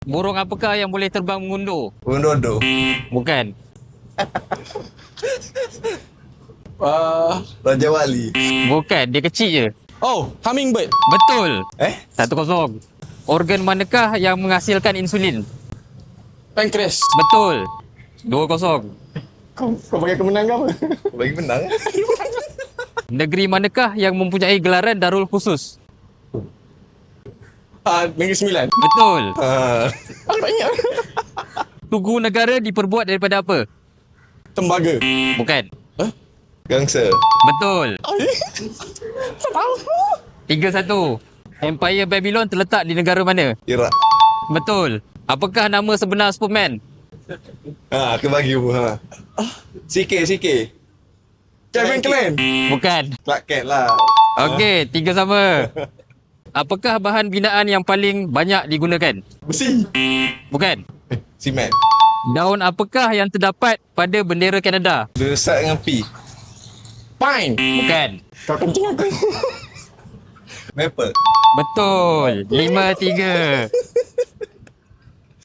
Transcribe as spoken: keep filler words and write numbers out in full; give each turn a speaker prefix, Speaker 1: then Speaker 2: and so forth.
Speaker 1: Burung apakah yang boleh terbang mengundur?
Speaker 2: Unodo.
Speaker 1: Bukan.
Speaker 3: Uh,
Speaker 2: Raja Wali.
Speaker 1: Bukan, dia kecil je.
Speaker 3: oh, hummingbird.
Speaker 1: Betul.
Speaker 2: Eh?
Speaker 1: Satu kosong. Organ manakah yang menghasilkan insulin?
Speaker 3: Pancreas.
Speaker 1: Betul. Dua kosong.
Speaker 3: Kau, kau bagi aku menang ke apa?
Speaker 2: Bagi menang.
Speaker 1: Negeri manakah yang mempunyai gelaran Darul Khusus?
Speaker 3: Ah, Negeri Sembilan.
Speaker 1: Betul.
Speaker 2: Ha.
Speaker 3: Aku tak ingat.
Speaker 1: Tugu negara diperbuat daripada apa?
Speaker 3: Tembaga.
Speaker 1: Bukan.
Speaker 2: Gangsa.
Speaker 1: Betul.
Speaker 3: Tak tahu.
Speaker 1: Tiga satu. Empire Babylon terletak di negara mana?
Speaker 2: Iraq.
Speaker 1: Betul. Apakah nama sebenar Superman?
Speaker 2: Ha, aku bagi pun ha. C K, C K.
Speaker 3: Kevin Klan.
Speaker 1: Bukan.
Speaker 2: Clark Kent lah.
Speaker 1: Okey, tiga sama. Apakah bahan binaan yang paling banyak digunakan?
Speaker 3: Besi.
Speaker 1: Bukan.
Speaker 2: Simen.
Speaker 1: Daun apakah yang terdapat pada bendera Kanada?
Speaker 2: Desak dengan P.
Speaker 3: Pine.
Speaker 1: Bukan.
Speaker 3: Kau kencing aku.
Speaker 2: Maple.
Speaker 1: Betul. Lima tiga.